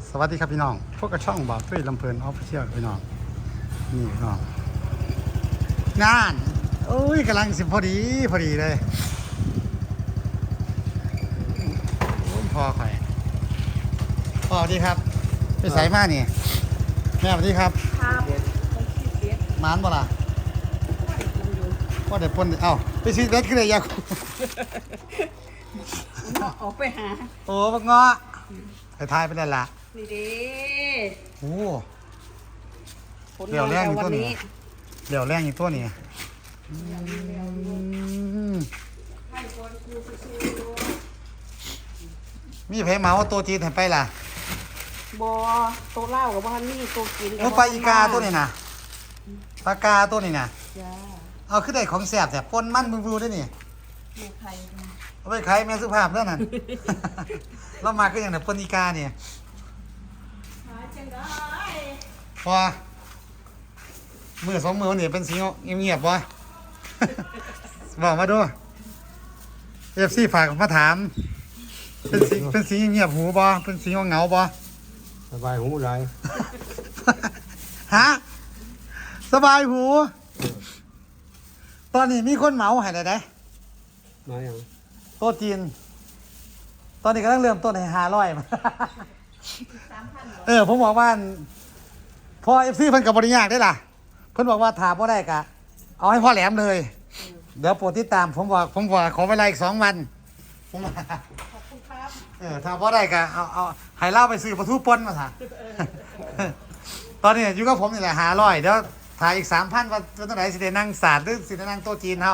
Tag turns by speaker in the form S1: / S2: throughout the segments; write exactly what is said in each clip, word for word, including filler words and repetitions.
S1: สวัสดีครับพี่น้องพวกกระช่องบ่าวตุ้ยลำเพลินออฟฟิเชียลพี่น้องนี่พี่น้องงานโอ้ยกำลังสิพอดีพอดีเลยโอ้ยพอข่อยพอดีครับไปใส่มานี่แม่สวัสดีครับ
S2: ครับต้องคิดเด็ด
S1: หมานบ่ล่ะ
S2: ว่าได้กินอยู่
S1: ก็เดี๋ยวปนเอ้าไปซื้อเล็ดขึ้นเลยยาคู
S2: เนาะออกไปหา
S1: โอ้บักเงาะไปทายไปแล้วล่ะ
S2: นี่เด้
S1: โอ้
S2: ผล
S1: เดี๋ยว
S2: งาน
S1: แรก
S2: เรา
S1: อยู่
S2: วั
S1: ต้น
S2: น
S1: นี้
S2: นี้
S1: เดี๋ยวแรงอีกตัวนี้อืม
S2: ให้คนครูสู้
S1: มีไผเหมาตัวจีนให้ไปล่ะ
S2: ๆบอโตวเหล้ากับบ้านนี่ตัวกิน
S1: โอ้ปลาอีกาตัวนี้นะปลากาตัวนี้นะ
S2: จ้า
S1: เอาขึ้นได้ของแสบแต่ปนมันมึงรู้ได้นี่
S2: แม่ไข่นะ
S1: เอาไปขายแม่สุภาพแล้วนั่น เรามาก็อย่างเนี่ยปนอีกาเนี่ย
S2: หาจังได้
S1: พอมือสองมือนี่เป็นสีเงียบๆวะ บอกมาดูเอฟซีฝากมาถาม เป็นสีเป็นสีเงียบหูบ่เป็นสีเหงาบ่
S3: สบายหูไร
S1: ฮะสบายหู ตอนนี้มีคนเหมาให้ได้ได้
S3: มาอย่าง
S1: โต๊ะจีน ตอนนี้กำลังเริ่มต้นให้ห้าร้อยมา
S2: สามพัน
S1: เออผมบอกว่าพอเอฟซีเพิ่นกับบริยากได้ล่ะ เพิ่นบอกว่าถามพ่ได้กะ เอาให้พ่อแหลมเลย เดี๋ยวโปรดติดตาม ผมบอกผมบอกขอเวลาอีกสองวันผมว่า
S2: ขอบคุณครับ
S1: เออถ้าพ่อได้กะเอาเอาให้เล่าไปซื้อปลาทูปนมาถ่ะ ตอนนี้อยู่กับผมนี่แหละหาร้อยเดี๋ยวถ่ายอีกสามพันว่าจะต้องไหนสิได้นั่งศาสตร์หรือสิได้นั่งโต๊ะจีนเฮา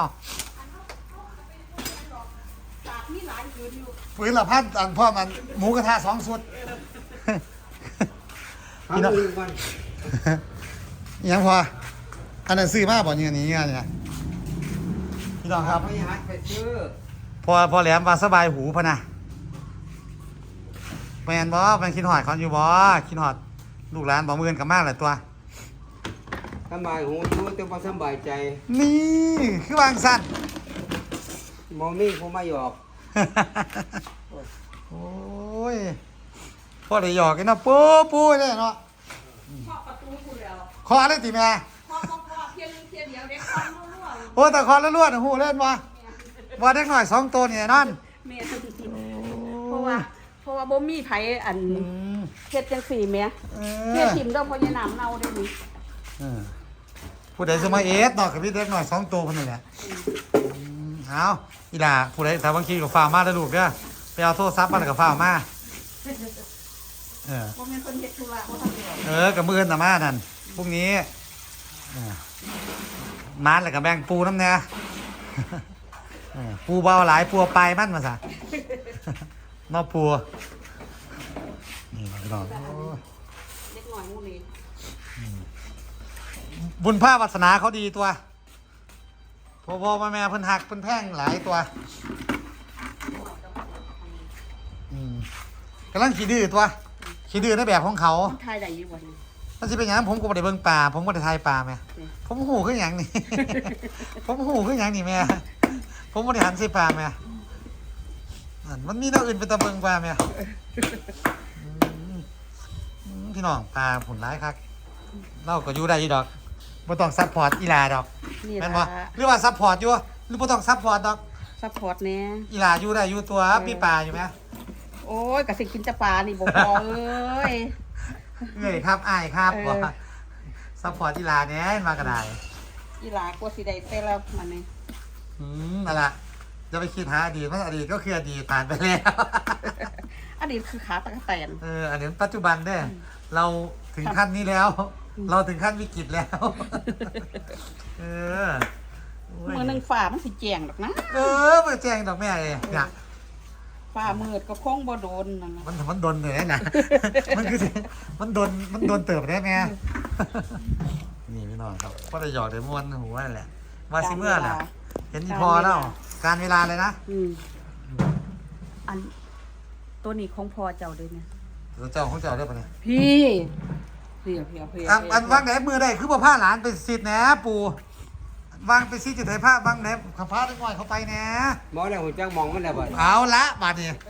S2: ตากนี่หลายอยู่อยู่
S1: ปืนละพันอันพ่อมันหมูกระทะสองสุด
S3: หาเงินกัน
S1: อิหยังพออันนั้นซื้อมาบ่เนี่ยนี่เนี่ยพี่น้องครับ
S3: ไปหัดไปซื้อ
S1: พอพอแหลมว่าสบายหูพะนะแมนบ่แมนคิดหอดเขาอยู่บ่คิดหอดลูกหลานบ่มือนกับมากเลยตัว
S3: สบายหูอยู่แต่พอสบายใจ
S1: นี่คือวางสั้น
S3: มองนี่ผมไม่หยอก
S1: โอ้ยพ่อได้หยอกกันเนาะปูปูเลยเนาะ
S2: เคาะประตูกูแล้ว
S1: คอเลยติแม่
S2: เคาะเคาะเคาะเพียงเพียงเดียวเด็กความรั่ว
S1: โอ้แต่คอล้วนๆหูเล่นบ่ว่าเด็กหน่อยสองตัวนี่นั่น
S2: ๆแม่เพราะว่าเพราะว่าบ่มีไผอัน
S1: อืม
S2: เฮ็ดจังสี่แม่
S1: เอ
S2: เฮ็ด
S1: อ
S2: ทิมเด้อเพราะยายน้ำเน่าได้นี่
S1: เออผู้ใดจะมาเอสเนาะกับพี่เด็กหน่อยสองตัวคนนี้แหละอืมเอาอีหล่าผู้ใดถามบางทีกับฟ้าวมาแล้วลูกเด้อไปเอาโทรศัพท์มาแล้วกับฟ้าวมาเออ
S2: บ่แม่นเพิ่นเฮ็ดธุระบ่ทำเดียว
S1: เออกับมือน่ะมานั่นพรุ่งนี้เออมานแล้วกับแบ่งปูน้ำเนี่ยเออปูเบาหลายปูเอาไปลายมันมาซะ นอกปูนี่พี่น้องโอ้ย
S2: เล็กน้อยหมู่นี้
S1: บุญผ้าวาสนาเขาดีตัวพ่อพ่อแม่แม่เพิ่นหักเพิ่นแพงหลายตัวอืมกำลังขี้ดื้อตัวขี้ดื้อในแบบของเขา
S2: มันทายได้อยู่บ่นี่
S1: มันจะเป็นอย่างนั้นผมก็ไม่ได้เบิ่งป่าผมก็ได้ทายป่าแม่
S2: อืม
S1: ผมหูขึ้นอหย่างนี่ ผมหูขึ้นอหย่างนี่แม่ผมไม่ได้หันใส่ป่าแม่อันมันมีแนวอื่นเป็นตะเบิงป่าแม่อืมอืมพี่น้องปลาผลร้ายครับเราก็อยู่ได้อยู่ดอกบ่ต้องซัพพอร์ตอีหลาดอก
S2: นี่
S1: แม่นบ่
S2: ล่ะ
S1: หรือว่าซัพพอร์ตอยู่หรือบ่ต้องซัพพอร์ตดอก
S2: ซัพพอร์ตแหน่
S1: อีหลาอยู่ได้อยู่ตัวมีปลาอยู่ไหม
S2: โอ้ยก็สิกินแต่ปลานี่บ่พอเอ้ย
S1: เอ้ยครับอ้ายครับ
S2: เออ
S1: ว่าซัพพอร์ตอีหลาเนี่ยมากระได
S2: อีหลากว่าสิได้แต่ละมันนี่
S1: อืมนั่นล่ะจะไปคิดหาอดีตเพราะอดีตก็คืออดีตผ่านไปแล้ว
S2: อันนี้คือขาตะกะแตน
S1: เอออันนี้ปัจจุบันเนี่ยเราถึงขั้นนี้แล้ว เราถึงขั้นวิกฤตแล้ว เออโอ้ย
S2: มื้อหนึงฟ้ามันสิแจ้งดอกนะ
S1: เออมาแจ้งดอกแม่เลยเนี่ย
S2: ฟ้ามืดก็คงบ่โดนนั่นน่ะ
S1: มันมันโดนเลยนะ มันคือมันโดนมันโดนเติบได้แม่นี่พี่น้องครับก็ได้หยอกได้ม้วนหัวนั่นแหละว่าสิเมื่อน่ะเห็นอีพอแล้ว การเวลาเลยนะ
S2: อืมอันตัวนี้ของพ่อเจ้าเด้เนี่ย
S1: เดี๋ยวเจ้าของเจ้าได้ปะเนี่ย
S2: พี่เพียเพียเพีย
S1: อันอันวางไหนมือได้คือบ่ผ้าหลานไปสิทธิ์แหนปู่วางไปสิจุดไหนผ้าวางไหนขับผ้าได้ง่อยเข้าไปแหน
S3: หมอแล้วหัวจักมองมันแล้วบ่
S1: เอาละบาดนี้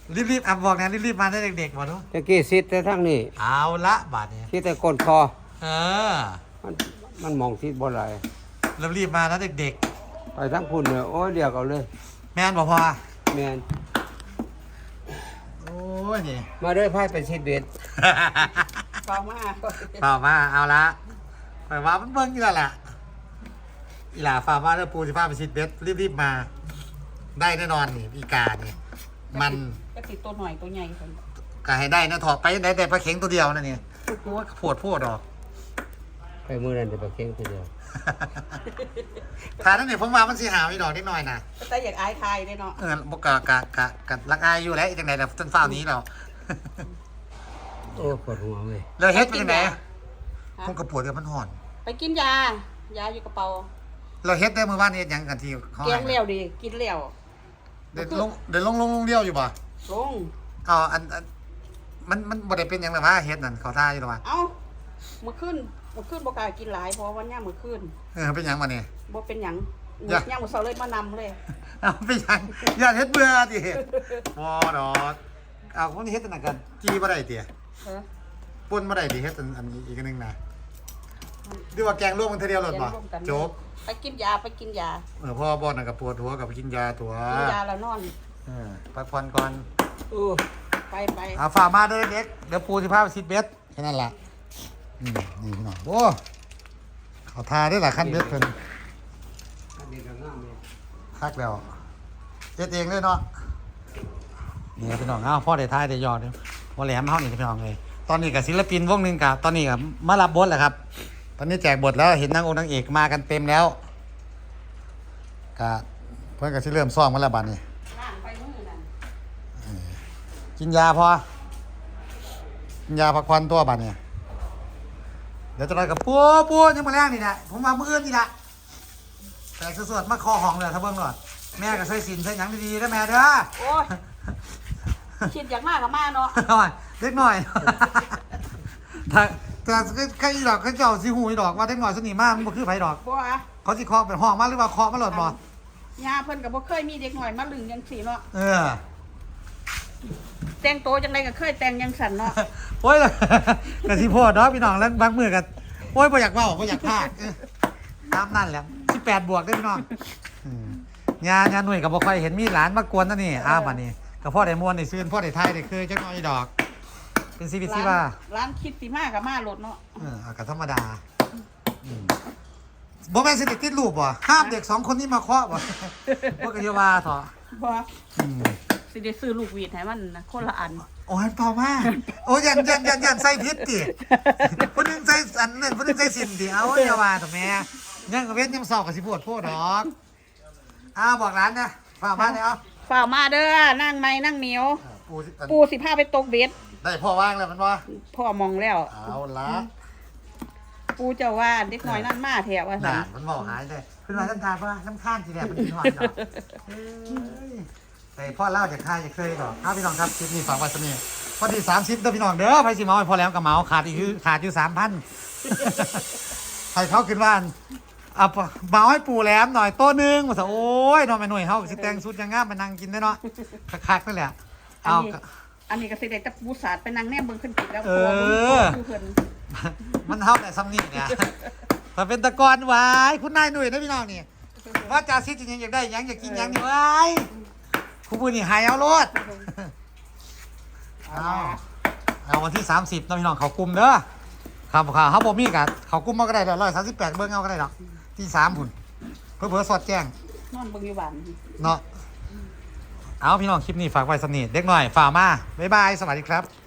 S1: รีบๆอ่ะบอกนะรีบๆมาได้เด็กๆมาดู
S3: ตะกี้ซิดแต่ทั้งนี้
S1: เอาละบาดนี้
S3: ซิดแต่ก้นคอ
S1: เออ
S3: มันมันมองซิดบ่ไหล
S1: รีบๆมานะเด็ก
S3: ไปทั้งพุ่นเนี่ยโอ้ยเดียวเอาเลย
S1: ๆแม่นบอกพอ
S3: แม่น
S1: โอ้ยนี่
S3: มาเด้อไพ่เป็นซิดเบ็ด
S2: เปล่ามา
S1: เปล่ามาเอาละไปว่ามันเบิ่งอยู่แล้วล่ะอีหล่าฝ่ามาแล้วปูสิพาไปชิดเบ็ดรีบๆมา ได้แน่นอนนี่อีกานี่มัน
S2: ก็ติดตัวหน่อยตัวใหญ่คน
S1: ก็ให้ได้นะถอดไปได้แต่ปลาเข็งตัวเดียวนั่นนี่โอ้ยปวดปวดดอก
S3: ไปมือนั้นจะไปเข่งทีเดียว
S1: ทานนั่นนี่ผมว่ามันสิหาไม่ดอกนิดหน่อยนะ
S2: ก็แต่อยากอายทายเลยเนาะ
S1: เออบกกะกะกะกะรักอายอยู่แล้วจังไหนแต่ต้นฟ้านี้เรา
S3: โอ้ปวดหัวเว้ย
S1: แล้วเฮ็ดเป็นจังไหนผมก็ปวดเดี๋ยวมันห่อน
S2: ไปกินยายาอยู่กระเป๋า
S1: เราเฮ็ดได้เมื่อวานนี้เฮ็ดหยังกันที่เขา
S2: แก
S1: ให้
S2: งเลี้ยวดิกินเลี้ยว
S1: เดี๋ยวลงเดี๋ยวลงลงลงเลี้ยวอยู่ป่ะ
S2: ลง
S1: เอาอันอันมันมันบ่ได้เป็นหยังหรอวะเฮ็ดนั่นเขาท่าอยู่หรอวะ
S2: เอ้ามื้อคืนมื้อคืนบ่กล้ากินหลายเพราะวันย่างมื้อคืน
S1: เออเป็นหยังมาเนี่ย
S2: บ่เป็นหยัง
S1: อย่า
S2: ย่างมื้อเช้าเลยมานำเลย
S1: เอาเป็นหยังอย่าเฮ็ดเบื่อดิบ่ดอกเอาคนนี้เฮ็ดอันนั้นกันจีบ่ได้ติ
S2: เออ
S1: ปนบ่ได้ติเฮ็ดอันอันนี้อีกอันหนึงนะดีว่าแกงรวมกันทีเดียวหลดบ่
S2: แกงร่วมกัน
S1: จบ
S2: ไปกินยาไปกินยา
S1: เออพ่อบ่น่ะก็ปวดหัวกับกินยาตัว
S2: กินยาแล้วนอน
S1: เออพักผ่อนก่อน
S2: เออไปไป
S1: เอาฝากมาเด้อเด็กเดี๋ยวปูสิพาไปซิดเบ็ดแค่นั้นล่ะอืมนี่พี่น้องโอ้เขาทาได้หลายขั้นเบ็ดเพิ่น
S3: อันนี้ก็งามเลย
S1: คักแล้วเฮ็ดเองเลยเนาะนี่ครับพี่น้องเอ้าพ่อได้ทายได้ยอดเด้อบ่แหลมเฮานี่พี่น้องเลยตอนนี้ก็ศิลปินวงหนึงก็ตอนนี้ก็มารับบทแล้วครับ ตอนนี้แจกบทแล้วเห็นนางองค์นางเอกมากันเต็มแล้วก็เพิ่นก็สิเริ่มซ้อมกันแล้วบัดนี้
S2: ล่างไปมื้อนั้น
S1: กินยาพอกินยาพักผ่อนตัวบัดนี้เดี๋ยวจะนอนกับปัวปัวยังมาแรงนี่นะผมมาเมื่ออื่นนี่ละแต่สวดๆมาคอห้องเลยถ้าเบิ่งหน่อยแม่ก็ใส่สินใส่หยังดีๆนะแม่เด้อ
S2: โอ้ยคิดอยากมากก็มาเนาะ
S1: หน่อยเล็กหน่อยถ้าแต่ใครดอกเขาเจ้าสิหูอีดอกว่าเล็กหน่อยสนิทมากมันบ่คือไผดอก
S2: บ่อะ
S1: เขาสิเคาะเป็นห้องมาหรือว่าเคาะมาหลดบ่
S2: ยาเพิ่นก็บ่เคยมีเด็กน้อยมาลึงจังซี่เนาะ
S1: เออ
S2: แต่งโตจังไดก็เคยแต่งจังสั่นเนาะ
S1: โอ้ยกะสิพ่อดอกพี่น้องแล้วบางมื้อก็โอ้ยบ่อยากเว้าบ่อยากพากเออตามนั่นแหละสิบแปดบวกเด้อพี่น้องอืมญาญาหน่วยก็บ่ค่อยเห็นมีหลานมากวนนั่นนี่อ้าวบัดนี้ก็พ่อได้ม่วนได้ซื่นพ่อได้ทายได้คือจักหน่อยดอก เป็นชีวิตที่ว่า
S2: ร้านคิดสิมาก็มาโลดเนาะ
S1: เออก็ธรรมดาอืมบ่แม่นสิได้ติดรูปบ่ห้ามเด็กสองคนนี้มาเคาะบ่ บ่ก็อย่าว่าเถอะ
S2: บ่
S1: อืม
S2: สิได้ซื้อลูกหวีดให้มันนะคนละอัน
S1: โอ้ยต่อมาโอ้ยยันยันยันยันใส่พิษติผู้หนึงใส่อันนึงผู้หนึงใส่สินติเอาอย่าว่าเถอะแม่ยังก็เว้นยังสอบก็สิปวดโพดดอกอ้าวบอกร้านนะฝากมาเลยเอา
S2: ฝ่ากมาเด้อนั่งไม้นั่งเหนียว
S1: เออปูสิอัน
S2: ปูสิพาไปตกเบ็ด
S1: ได้พ่อว่างแล้วมันว่า
S2: พ่อมองแล้ว
S1: เอาละ
S2: ปูเจ้าว่าเด็กน้อยนั่นมาแถวว่า
S1: ห
S2: ซั่
S1: นาน นมันบอกหายเลยขึ้นมาน้ำตาป่ะน้ำข้านทีแรกมันกินหวานดอกเอ้ยแต่พ่อเล่าจากข้าจะเคยดอกอ้าวพี่น้องครับคลิปนี้ฝากไว้สนิทพอดีสามสิบเด้อพี่น้องเด้อไปสิเมาให้พอแล้วกับเมาขาดอีกคือขาดอยู่สามพัน ให้เขาขึ้นบ้านเอาเมาให้ปู่แหลมหน่อยโต๊ะหนึงมาซะโอ้ยนอนไปหน่วยเฮาสิแต่งสุดยังงามมานั่งกินได้เนาะคักๆนั่นแหละ
S2: อัน
S1: เอา
S2: นี้อันนี้ก็สิได้แต่ปูสาดไปนั่งแนมเบิ่งขึ้นกินแล้ว
S1: เอ
S2: ตัว
S1: อ
S2: ดูเพิ่น
S1: มันเท่าแต่ซ้ำนี่เนี่ยถ้าเป็นตะกอนไว้คุณนายหนุ่ยนะพี่น้องนี่ว่าจ่าซิดจริงๆอยากได้หยังอยากกินหยังนี่ไว้คุณพูดนี่หายเอาโลดเอาเอาวันที่สามสิบนะพี่น้องเขากลุ่มเด้อครับครับเขาบ่มีกันเขากลุ่มมาก็ได้ร้อยสามสิบแปดเบิ้งเอาก็ได้หรอกที่สามพุ่นเพื่อเพื่อสอดแจ้ง
S2: นอนเบิ่งอยู่บ้าน
S1: เนาะเอาพี่น้องคลิปนี้ฝากไว้สนิทเด็กหน่อยฝ่ากมาบ๊ายบายสวัสดีครับ